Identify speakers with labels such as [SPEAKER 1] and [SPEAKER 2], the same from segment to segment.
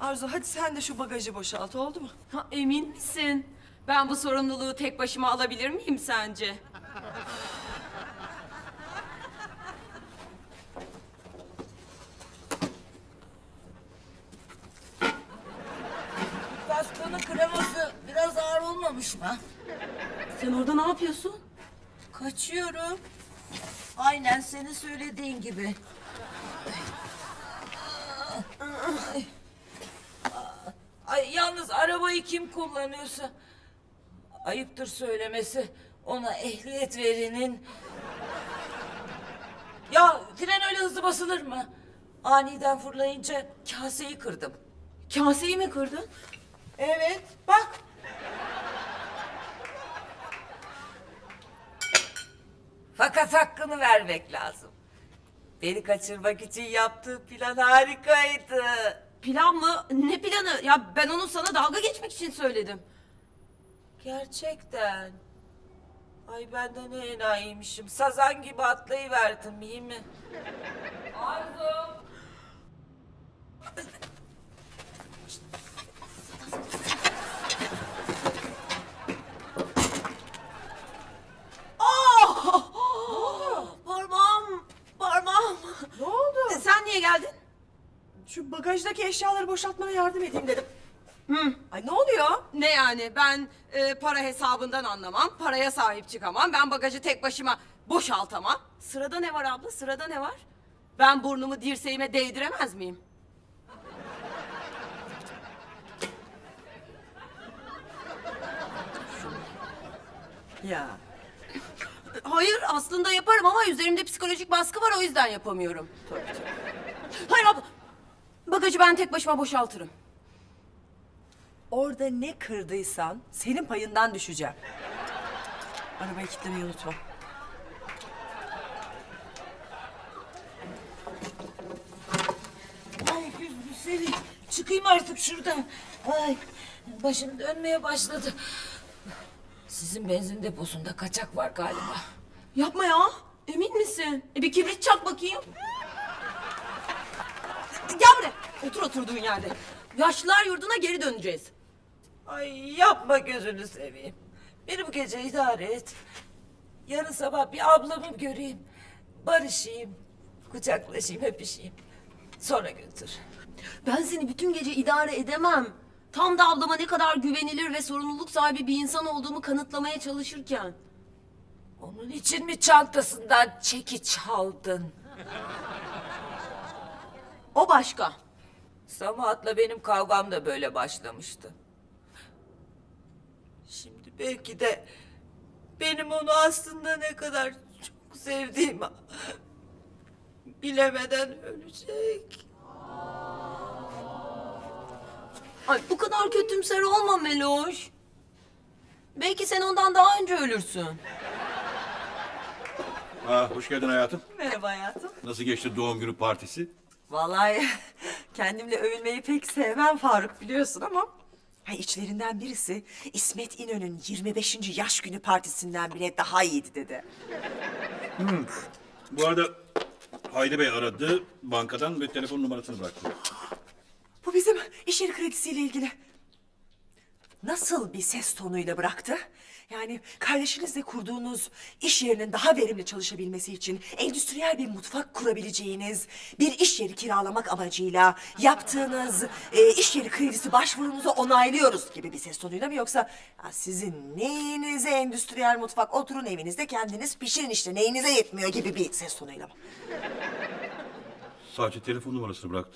[SPEAKER 1] Arzu hadi sen de şu bagajı boşalt, oldu mu?
[SPEAKER 2] Ha, emin misin? Ben bu sorumluluğu tek başıma alabilir miyim sence?
[SPEAKER 3] Pastanın kreması biraz ağır olmamış mı?
[SPEAKER 2] Sen orada ne yapıyorsun?
[SPEAKER 3] Kaçıyorum. Aynen senin söylediğin gibi. Ay, yalnız arabayı kim kullanıyorsa ayıptır söylemesi, ona ehliyet verenin. Ya fren öyle hızlı basılır mı? Aniden fırlayınca kaseyi kırdım.
[SPEAKER 2] Kaseyi mi kırdın?
[SPEAKER 3] Evet, bak. Fakat hakkını vermek lazım. Beni kaçırmak için yaptığı plan harikaydı.
[SPEAKER 2] Plan mı? Ne planı? Ya ben onu sana dalga geçmek için söyledim.
[SPEAKER 3] Gerçekten. Ay ben de ne enayiymişim. Sazan gibi atlayıverdim, iyi mi? Arzu.
[SPEAKER 2] Parmağım.
[SPEAKER 1] Ne oldu?
[SPEAKER 2] Sen niye geldin?
[SPEAKER 1] Şu bagajdaki eşyaları boşaltmana yardım edeyim dedim. Ay ne oluyor?
[SPEAKER 2] Ne yani? Ben para hesabından anlamam, paraya sahip çıkamam, ben bagajı tek başıma boşaltamam. Sırada ne var abla? Sırada ne var? Ben burnumu dirseğime değdiremez miyim?
[SPEAKER 1] Ya
[SPEAKER 2] Hayır, aslında yaparım ama üzerimde psikolojik baskı var, o yüzden yapamıyorum. Hayır abla, bagajı ben tek başıma boşaltırım.
[SPEAKER 1] orada ne kırdıysan senin payından düşeceğim. Arabayı kilitlemeyi unutma.
[SPEAKER 3] Ay Güzelim. Çıkayım artık şuradan. Ay başım dönmeye başladı. Sizin benzin deposunda kaçak var galiba.
[SPEAKER 2] Yapma ya, emin misin? Bir kibrit çak bakayım. Gel buraya, otur oturduğun yerde. Yaşlılar yurduna geri döneceğiz.
[SPEAKER 3] Ay yapma gözünü seveyim. Beni bu gece idare et. Yarın sabah bir ablamı göreyim. Barışayım. Kucaklaşayım, öpüşeyim. Sonra götür.
[SPEAKER 2] Ben seni bütün gece idare edemem. Tam da ablama ne kadar güvenilir ve sorumluluk sahibi bir insan olduğumu kanıtlamaya çalışırken.
[SPEAKER 3] Onun için mi çantasından çekiç çaldın?
[SPEAKER 2] O başka.
[SPEAKER 3] Sabahat'la benim kavgam da böyle başlamıştı. Şimdi belki de benim onu aslında ne kadar çok sevdiğimi bilemeden ölecek.
[SPEAKER 2] Ay bu kadar kötümser olma Meloş. Belki sen ondan daha önce ölürsün.
[SPEAKER 4] Hoş geldin hayatım.
[SPEAKER 1] Merhaba hayatım.
[SPEAKER 4] Nasıl geçti doğum günü partisi?
[SPEAKER 1] Vallahi kendimle övülmeyi pek sevmem Faruk, biliyorsun ama... Ha, içlerinden birisi İsmet İnönü'nün 25. yaş günü partisinden bile daha iyiydi dedi.
[SPEAKER 4] Bu arada Haydi Bey aradı bankadan ve telefon numarasını bıraktı.
[SPEAKER 1] Bu bizim iş yeri kredisiyle ilgili. Nasıl bir ses tonuyla bıraktı? Yani kardeşinizle kurduğunuz iş yerinin daha verimli çalışabilmesi için endüstriyel bir mutfak kurabileceğiniz bir iş yeri kiralamak amacıyla yaptığınız iş yeri kredisi başvurunuzu onaylıyoruz gibi bir ses tonuyla mı, yoksa ya sizin neyinize endüstriyel mutfak, oturun evinizde kendiniz pişirin işte neyinize yetmiyor gibi bir ses tonuyla mı?
[SPEAKER 4] Sadece telefon numarasını bıraktı.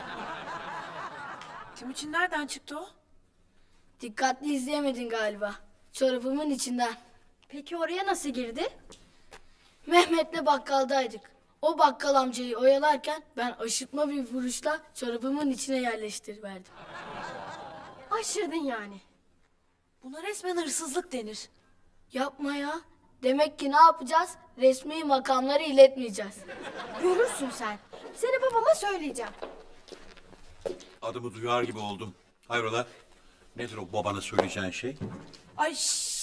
[SPEAKER 1] Timuçin nereden çıktı o?
[SPEAKER 5] Dikkatli izleyemedin galiba. Çorabımın içinden.
[SPEAKER 6] Peki oraya nasıl girdi?
[SPEAKER 5] Mehmet'le bakkaldaydık. O bakkal amcayı oyalarken ben aşırtma bir vuruşla çorabımın içine yerleştiriverdim.
[SPEAKER 6] Aşırdın yani.
[SPEAKER 1] Buna resmen hırsızlık denir.
[SPEAKER 5] Yapma ya. Demek ki ne yapacağız? Resmi makamları iletmeyeceğiz.
[SPEAKER 6] Görürsün sen. Seni babama söyleyeceğim.
[SPEAKER 4] Adımı duyar gibi oldum. Hayrola? Nedir o babana söyleyeceğin şey?
[SPEAKER 7] Ay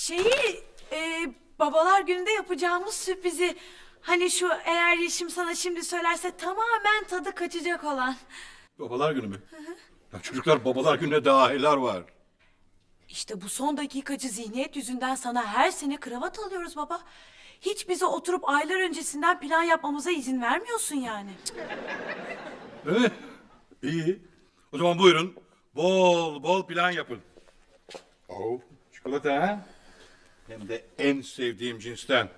[SPEAKER 7] babalar gününde yapacağımız sürprizi. Hani şu eğer Yeşim sana şimdi söylerse tamamen tadı kaçacak olan.
[SPEAKER 4] Babalar günü mü? Ya çocuklar babalar gününe daha aylar var.
[SPEAKER 7] işte bu son dakikacı zihniyet yüzünden sana her sene kravat alıyoruz baba. Hiç bize oturup aylar öncesinden plan yapmamıza izin vermiyorsun yani.
[SPEAKER 4] Öyle. İyi. O zaman buyurun. Bol bol plan yapın. Oo, çikolata ha? Hem de en sevdiğim cinsten.